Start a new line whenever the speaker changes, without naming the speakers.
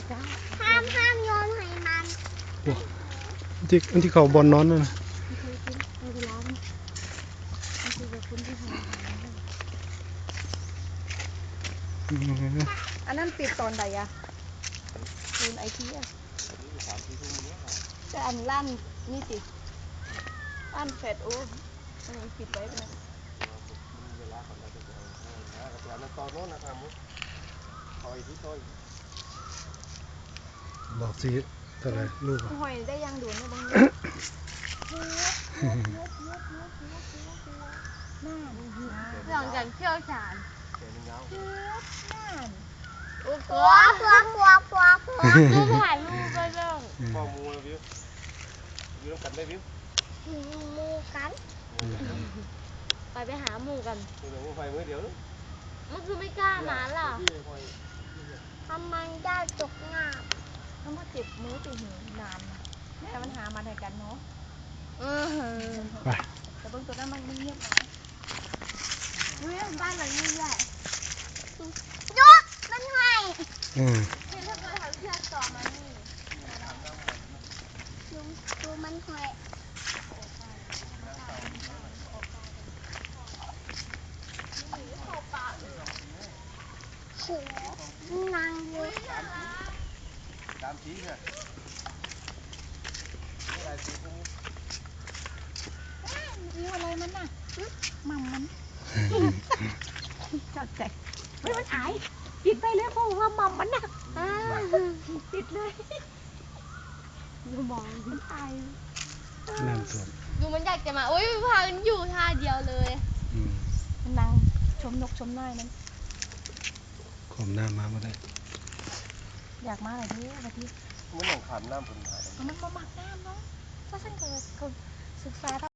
ห้ามโยนให้มัน
อันที่เขาบอลนอนนั่นนะ
อันนั้นปิดตอนใดอะคูณไอทีอะแต่อันลั่นนี่สิลั่นเฟดโอ้ปิดไว้เป็น
บอกสิเท่าไหรลูก
หอยได้ยังดูเนี่ยบางทีหลังจากเที่ยวชาญโอ้โห
ปัว
ดูถ่ายรูปไปเรื่อง
พ่อมูแล้ววิววิวกันได้วิว
มูกัน
ไปหาหมูกัน
เดี๋ยวไฟมือเดียว
มันคือไม่กล้ามาล่ะ
ทำมันได้ตกงา
มันมาเจ็บมือติดหูนานนะแต่มันหามาได้กันเนาะ
ไป
แต่บางตัวนั้นมันเงียบนะเรื่องบ้านหลังนี้แหละ
ยกมันให้
ที่ถ้าเกิดทำเชือกต่อมานี่
ดูมันให้โหนางเยอะ
ตามชี้เนี่ยอะไรสีพวกนี้
วิวอะไรมันน่ะมัมมันจัดแจกไม่มันหายปิดไปเลยเพราะว่ามัมมันน่ะปิดเลยดูมองมันตาย
น้ำท่วม
ดูมันอยากจะมาโอ้ยพากันอยู่ท่าเดียวเลยมันนั่งชมนกชมน้อยนั้น
ขมหน้ามาไม่ได้
อยากมาอะไรดิบางที
มันหลงขามน้ำผลหาย
มันมาหมักน้ำเนาะถ้าฉันเคยศึกษา